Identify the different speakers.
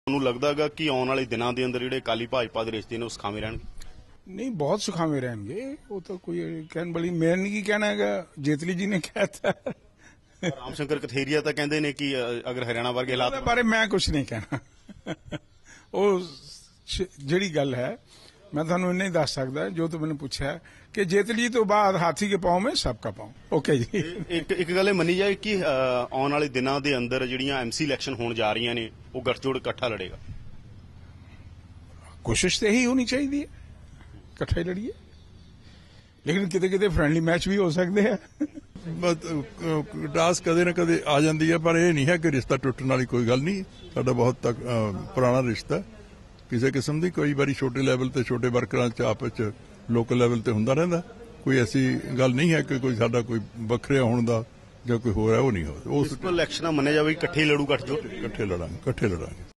Speaker 1: ਤੁਹਾਨੂੰ ਲੱਗਦਾ ਹੈਗਾ ਕਿ ਆਉਣ ਵਾਲੇ ਦਿਨਾਂ ਦੇ ਅੰਦਰ ਜਿਹੜੇ ਅਕਾਲੀ ਭਾਜਪਾ ਦੇ ਰਿਸ਼ਤੇ ਨੇ ਉਹ ਸੁਖਾਵੇਂ ਰਹਿਣਗੇ?
Speaker 2: नहीं, बहुत सुखावे रहेंगे। वो तो कोई कहने वाली मैं नहीं कहना है, जेतली जी ने कहता है।
Speaker 1: ਰਾਮ ਸ਼ੰਕਰ ਕਥੇਰੀਆ ਤਾਂ ਕਹਿੰਦੇ ਨੇ ਕਿ ਅਗਰ ਹਰਿਆਣਾ ਵਰਗੇ ਹਾਲਾਤ
Speaker 2: ਉਹਦੇ ਬਾਰੇ ਮੈਂ ਕੁਝ ਨਹੀਂ ਕਹਿਣਾ। ਉਹ ਜਿਹੜੀ ਗੱਲ ਹੈ मैं ਤੁਹਾਨੂੰ ਇੰਨਾ ਹੀ ਦੱਸ ਸਕਦਾ ਜੋ ਤੂੰ ਮੈਨੂੰ ਪੁੱਛਿਆ ਕਿ ਜੇਤਲੀ ਤੋਂ ਬਾਅਦ ਹਾਥੀ ਕੇ ਪਾਉ ਮੈਂ ਸਭ ਕਾ ਪਾਉ। ਓਕੇ ਜੀ।
Speaker 1: ਇੱਕ ਗੱਲ ਇਹ ਮੰਨੀ ਜਾਏ ਕਿ ਆਉਣ ਵਾਲੇ ਦਿਨਾਂ ਦੇ ਅੰਦਰ ਜਿਹੜੀਆਂ ਐਮਸੀ ਇਲੈਕਸ਼ਨ ਹੋਣ ਜਾ ਰਹੀਆਂ ਨੇ ਉਹ ਗੱਠਜੋੜ ਇਕੱਠਾ ਲੜੇਗਾ।
Speaker 2: ਕੋਸ਼ਿਸ਼ ਤੇ ਇਹੀ ਹੋਣੀ ਚਾਹੀਦੀ ਹੈ, ਇਕੱਠਾ ਹੀ ਲੜੀਏ, ਲੇਕਿਨ ਕਿਤੇ ਕਿਤੇ ਫਰੈਂਡਲੀ ਮੈਚ ਵੀ ਹੋ ਸਕਦੇ ਆ।
Speaker 3: ਟਾਸ ਕਦੇ ਨਾ ਕਦੇ ਆ ਜਾਂਦੀ ਹੈ, ਪਰ ਇਹ ਨਹੀਂ ਹੈ ਕਿ ਰਿਸ਼ਤਾ ਟੁੱਟਣ ਵਾਲੀ ਕੋਈ ਗੱਲ ਨਹੀਂ। ਸਾਡਾ ਬਹੁਤ ਪੁਰਾਣਾ ਰਿਸ਼ਤਾ, ਕਿਸੇ ਕਿਸਮ ਦੀ ਕੋਈ ਵਾਰੀ ਛੋਟੇ ਲੈਵਲ ਤੇ ਛੋਟੇ ਵਰਕਰਾਂ ਚ ਆਪਸ ਚ ਲੋਕਲ ਲੈਵਲ ਤੇ ਹੁੰਦਾ ਰਹਿੰਦਾ। ਕੋਈ ਐਸੀ ਗੱਲ ਨਹੀਂ ਹੈ ਕਿ ਕੋਈ ਸਾਡਾ ਕੋਈ ਵੱਖਰਿਆ ਹੋਣ ਦਾ ਜਾਂ ਕੋਈ ਹੋਰ ਹੈ, ਉਹ ਨਹੀਂ ਹੋ। ਉਸ
Speaker 1: ਇਲੈਕਸ਼ਨਾਂ ਮੰਨਿਆ ਜਾਵੇ ਇਕੱਠੇ ਲੜੂ ਗੱਠਜੋੜ,
Speaker 3: ਇਕੱਠੇ ਲੜਾਂਗੇ।